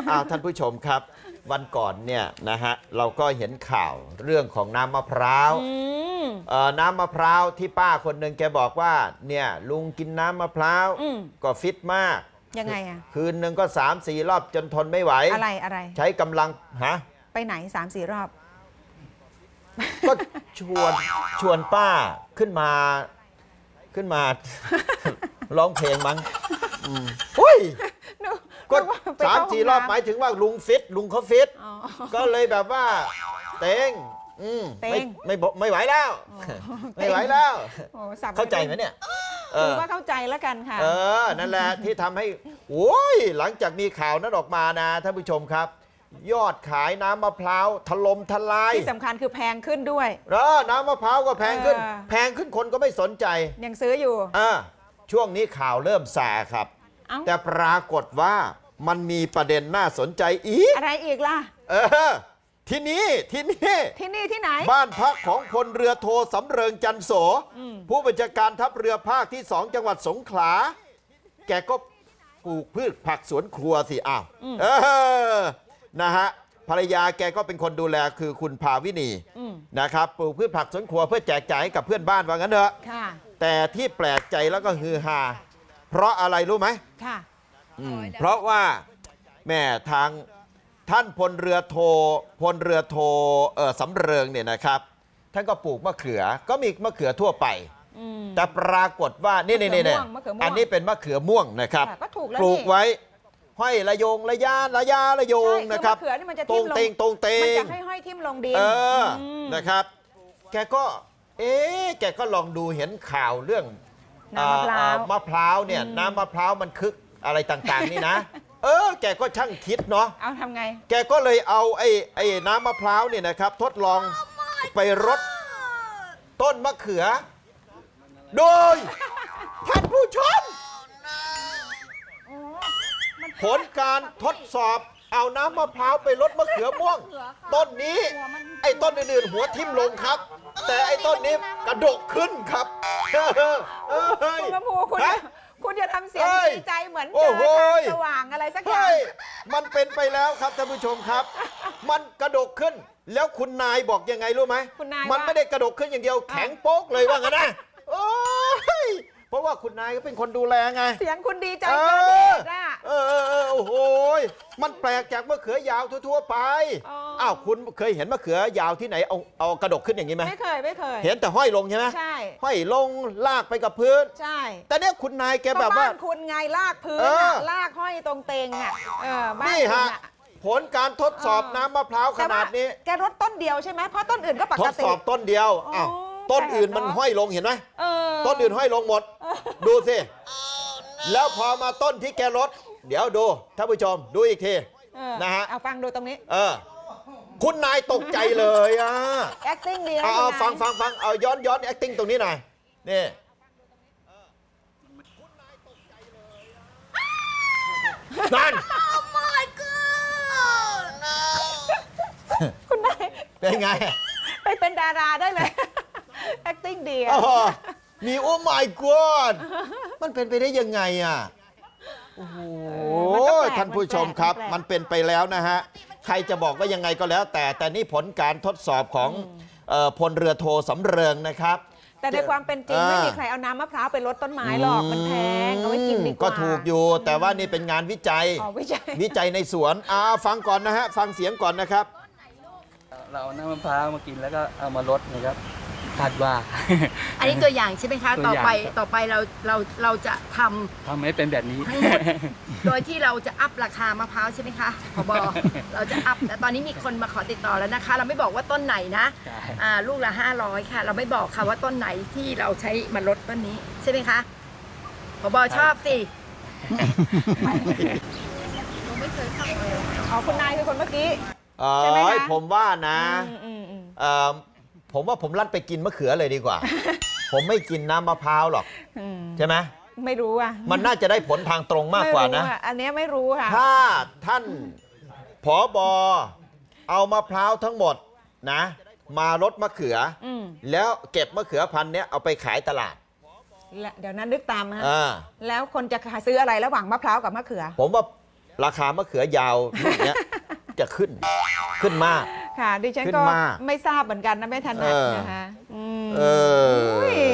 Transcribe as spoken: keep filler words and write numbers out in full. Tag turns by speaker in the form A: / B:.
A: อ้าวท่านผู้ชมครับวันก่อนเนี่ยนะฮะเราก็เห็นข่าวเรื่องของน้ำมะพร้าวน้ำมะพร้าวที่ป้าคนหนึ่งแกบอกว่าเนี่ยลุงกินน้ำมะพร้าวก็ฟิตมาก
B: ยังไงอ่ะ
A: คืนหนึ่งก็สามสี่รอบจนทนไม่ไหว
B: อะไรอะไร
A: ใช้กำลังฮะ
B: ไปไหนสามสี่รอบ
A: ก็ชวนชวนป้าขึ้นมาขึ้นมาร้องเพลงมั้งอุ้ยก็สามสี่รอบหมายถึงว่าลุงฟิตลุงเขาฟิตก็เลยแบบว่าเต็งไม่ไม่ไม่ไหวแล้วไม่ไหวแล้วเข้าใจไหมเนี่ย
B: คือว่าเข้าใจแล้วกันค่ะ
A: เออนั่นแหละที่ทำให้โอ้ยหลังจากมีข่าวนั้นออกมานะท่านผู้ชมครับยอดขายน้ำมะพร้าวถล่มทลาย
B: ที่สำคัญคือแพงขึ้นด้วย
A: เออน้ำมะพร้าวก็แพงขึ้นแพงขึ้นคนก็ไม่สนใจ
B: ยังซื้ออยู่
A: อ่าช่วงนี้ข่าวเริ่มแส่ครับแต่ปรากฏว่ามันมีประเด็นน่าสนใจอีก
B: อะไรอีกล่ะ
A: เออที่นี่ที่นี่
B: ที่นี่ที่ไหน
A: บ้านพักของพลเรือโทสำเริงจันโสผู้บัญชาการทัพเรือภาคที่สองจังหวัดสงขลาแกก็ปลูกพืชผักสวนครัวสิอ้าวเออนะฮะภรรยาแกก็เป็นคนดูแลคือคุณภาวินีนะครับปลูกพืชผักสวนครัวเพื่อแจกจ่ายให้กับเพื่อนบ้านว่างั้นเถอะแต่ที่แปลกใจแล้วก็ฮือฮาเพราะอะไรรู้ไหมค่ะเพราะว่าแม่ทางท่านพลเรือโทพลเรือโทเออสำเริงเนี่ยนะครับท่านก็ปลูกมะเขือก็มีมะเขือทั่วไปแต่ปรากฏว่านี่นี่นี่อันนี้เป็นมะเขือม่วงนะครับปลูกไว้ห้อยระยงระยาระยาระยงนะครับตรงเตงตรงเตง
B: มันจะให้ห้อยทิ่มลงดิน
A: เออนะครับแกก็เอ๊ะแกก็ลองดูเห็นข่าวเรื่อง
B: น้ำมะพร้าว
A: มะพร้าวเนี่ยน้ำมะพร้าวมันคึกอะไรต่างๆนี่นะเออแกก็ช่างคิดเนาะ
B: เอาทำไง
A: แกก็เลยเอาไอ้ไอ้น้ำมะพร้าวเนี่ยนะครับทดลองไปรดต้นมะเขือโดยท่านผู้ชมผลการทดสอบเอาน้ำมะพร้าวไปรดมะเขือม่วงต้นนี้ไอ้ต้นอื่นๆหัวทิ่มลงครับแต่ไอ้ต้นนี้กระดกขึ้นครับ
B: คุณกระพูคุณคุณอย่าทำเสียงดีใจเหมือนเจอทางสว่างอะไรสักอย่าง
A: มันเป็นไปแล้วครับท่านผู้ชมครับมันกระดกขึ้นแล้วคุณนายบอกยังไงรู้ไหมมันไม่ได้กระดกขึ้นอย่างเดียวแข็งโป๊กเลยว่างั้นนะโอ้ยเพราะว่าคุณนายก็เป็นคนดูแลไง
B: เสียงคุณดีใจเกินเหตุอ่ะ
A: เออเออเออโอ้โหมันแปลกจากมะเขือยาวทั่วๆไปอ้าวคุณเคยเห็นมะเขือยาวที่ไหนเอาเอากระดกขึ้นอย่างนี้ไหม
B: ไม่เคยไม่เคย
A: เห็นแต่ห้อยลงใช่ไหม
B: ใช่
A: ห้อยลงลากไปกับพื้น
B: ใช่
A: แต่เนี้ยคุณนายแกแบบว่า
B: บ้านคุณไงลากพื้นลากห้อยตรงเตงอ่ะเออบ้าน
A: นี่ฮะผลการทดสอบน้ำมะพร้าวขนาดนี้
B: แกรดต้นเดียวใช่ไหมเพราะต้นอื่นก็ปกติ
A: ทดสอบต้นเดียวอ้าวต้นอื่นมันห้อยลงเห็นไหมต้นอื่นห้อยลงหมดดูสิแล้วพอมาต้นที่แกรดเดี๋ยวดูท่านผู้ชมดูอีกทีนะฮะ
B: เอาฟังดูตรงนี้
A: เออคุณนายตกใจเลยอ่ะ
B: acting ดี
A: เอาเอาฟังฟังฟังเอาย้อนย้อน acting ตรงนี้หน่อยนี่นั่น
B: คุณนาย
A: เป็นไง
B: ไปเป็นดาราได้เลย acting ดีอ่ะ
A: มีโอ้ my god มันเป็นไปได้ยังไงอ่ะโอ้โหท่านผู้ชมครับมันเป็นไปแล้วนะฮะใครจะบอกว่ายังไงก็แล้วแต่แต่นี่ผลการทดสอบของพลเรือโทสำเริงนะครับ
B: แต่ในความเป็นจริงไม่มีใครเอาน้ำมะพร้าวไปรดต้นไม้หรอกมันแพงเอาไว้กินดีกว่า
A: ก็ถูกอยู่แต่ว่านี่เป็นงานวิจัยวิจัยในสวนอ่าฟังก่อนนะฮะฟังเสียงก่อนนะครับ
C: เราเอาน้ำมะพร้าวมากินแล้วก็เอามารดนะครับคาดว่า
D: อันนี้ตัวอย่างใช่ไหมคะต่อไปต่อไปเราเราเราจะทำ
C: ทำให้เป็นแบบนี้
D: ทั้งหมดโดยที่เราจะอัพราคามะพร้าวใช่ไหมคะผบเราจะอัพแต่ตอนนี้มีคนมาขอติดต่อแล้วนะคะเราไม่บอกว่าต้นไหนนะอ่าลูกละห้าร้อยค่ะเราไม่บอกค่ะว่าต้นไหนที่เราใช้มาลดต้นนี้ใช่ไหมคะผบชอบสิ
B: เราไม่เคยทำเลยอ๋อคุณนายคือคนเมื่อกี้
A: ใช่ไหมคะผมว่านะผมว่าผมลั่นไปกินมะเขือเลยดีกว่า ผมไม่กินน้ำมะพร้าวหรอกใช่ไหม
B: ไม่รู้อ่ะ
A: มันน่าจะได้ผลทางตรงมากกว่านะ
B: อันนี้ไม่รู้ค่ะ
A: ถ้าท่านผบ.เอามะพร้าวทั้งหมดนะมารดมะเขือแล้วเก็บมะเขือพันธุ์เนี้ยเอาไปขายตลาด
B: เดี๋ยวนั้นนึกตามนะแล้วคนจะซื้ออะไรระหว่างมะพร้าวกับมะเขือ
A: ผมว่าราคามะเขือยาวลูกเนี้ย จะขึ้นขึ้นมาก
B: ค่ะ ดิฉัน
A: ขึ้น
B: ก็
A: มาก
B: ไม่ทราบเหมือนกันนะไม่ถนัด
A: เออ
B: นะคะอืม
A: เออ